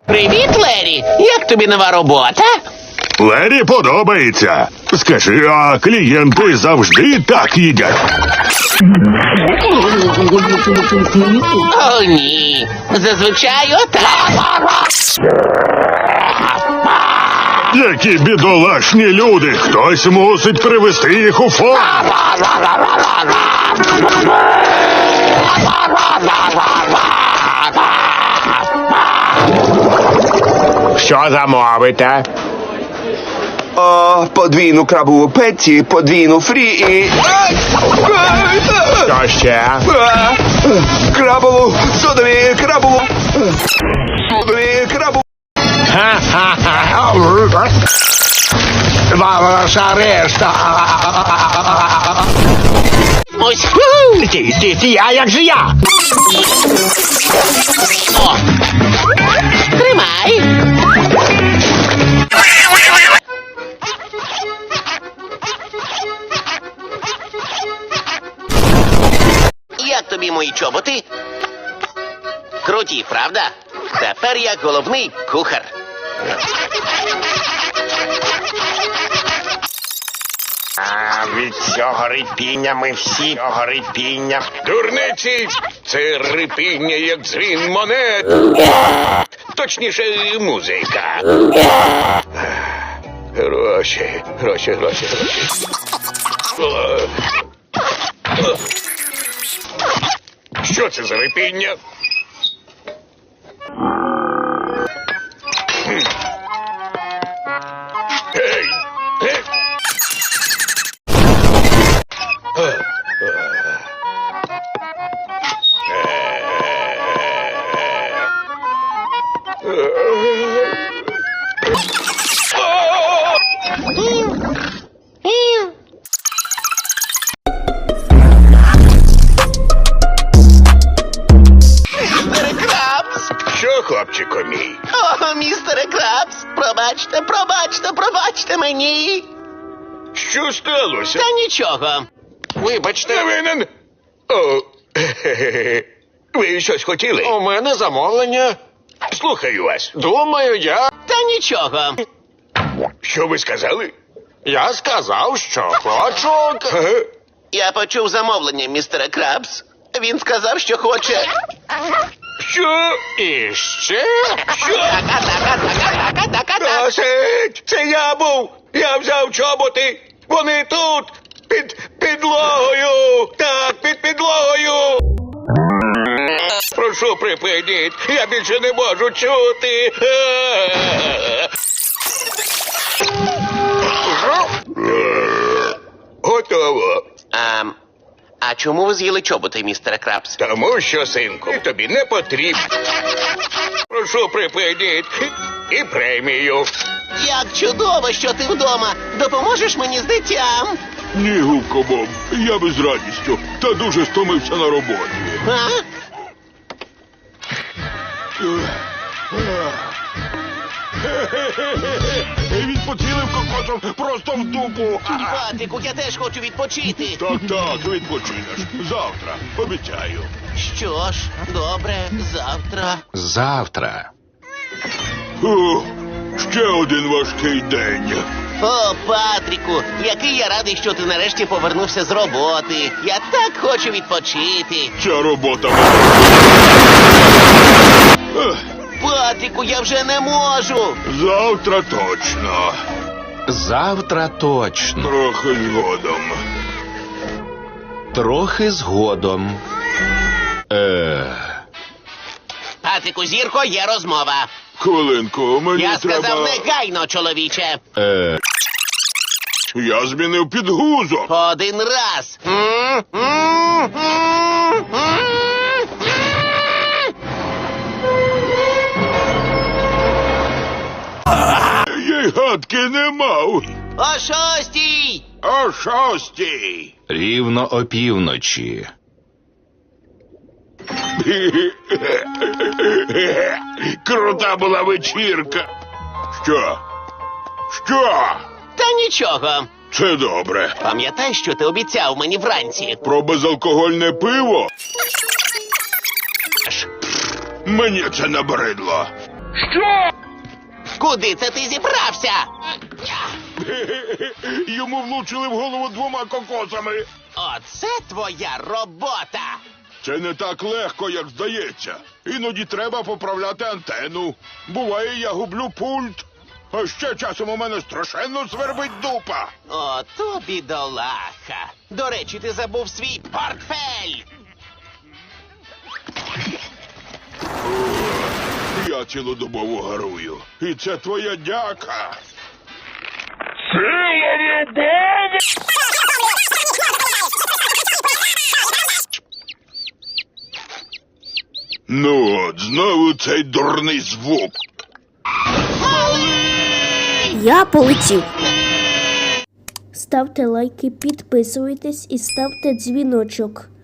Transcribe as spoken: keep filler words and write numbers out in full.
Привіт, Лері! Як тобі нова робота? Лері подобається. Скажи, а клієнти завжди так їдять? О, ні. Зазвичай отак. Які бідолашні люди. Хтось мусить привести їх у форму. Що замовите? О, подвійну крабову петті, подвійну фрі і... Що ще? А, крабову, содові, крабову... Содові, крабову... Ха-ха-ха. Ваша решта. Ось. Ти, ти, ти, а як же я? О. Тримай. Як тобі мої чоботи? Круті, правда? Тепер я головний кухар. А від цього рипіння ми всі цього рипіння. Дурниці! Це рипіння, як дзвін монет. Точніше, музика. Гроші, гроші, гроші, гроші. Що це за рипіння? Гей! Гей! Містере Крабс! Що, хлопчику мій? О, містере Крабс! Пробачте, пробачте, пробачте мені! Що сталося? Та нічого. Вибачте. Не винен. О, хе-хе-хе. Ви щось хотіли? У мене замовлення. Слухаю вас. Думаю, я. Та нічого. Що ви сказали? Я сказав, що хочу. Ага. Я почув замовлення, містере Крабс. Він сказав, що хоче. Що? І ще. Що? Досить! Це я був! Я взяв чоботи! Вони тут! Під підлогою! Так, під підлогою! Прошу, припиніть! Я більше не можу чути! Готово! А, а чому ви з'їли чоботи, містере Крабс? Тому що, синку, тобі не потрібно. Прошу, припиніть! І премію! Як чудово, що ти вдома. Допоможеш мені з дитям? Ні, Губко Боб, я без радістю. Та дуже стомився на роботі. А? Він поцілив кокосом просто в дупу. Патрику, я теж хочу відпочити. Так, так, відпочинеш. Завтра, обіцяю. Що ж, добре, завтра. Завтра. Ух, ще один важкий день. О, Патріку, який я радий, що ти нарешті повернувся з роботи. Я так хочу відпочити. Ця робота. Ех, Патріку, я вже не можу. завтра точно. Завтра точно. Трохи згодом. Трохи згодом. Е. Патріку, зірко, є розмова. Хвилинку, мені Я треба... сказав негайно, чоловіче. Е. Я змінив підгузок. Один раз. М, м, м, м. Я й гадки не мав. О шостій! О шостій. Рівно опівночі. Крута була вечірка. Що? Що? Та нічого. Це добре. Пам'ятай, що ти обіцяв мені вранці. Про безалкогольне пиво? Мені це набридло. Що? Куди це ти зібрався? Йому влучили в голову двома кокосами. Оце твоя робота. Це не так легко, як здається. Іноді треба поправляти антенну. Буває, я гублю пульт. А ще часом у мене страшенно свербить дупа. Ото бідолаха. До речі, ти забув свій портфель. Я цілодобово гарую. І це твоя дяка. Ну от, знову цей дурний звук. Я полетів. Ставте лайки, підписуйтесь і ставте дзвіночок.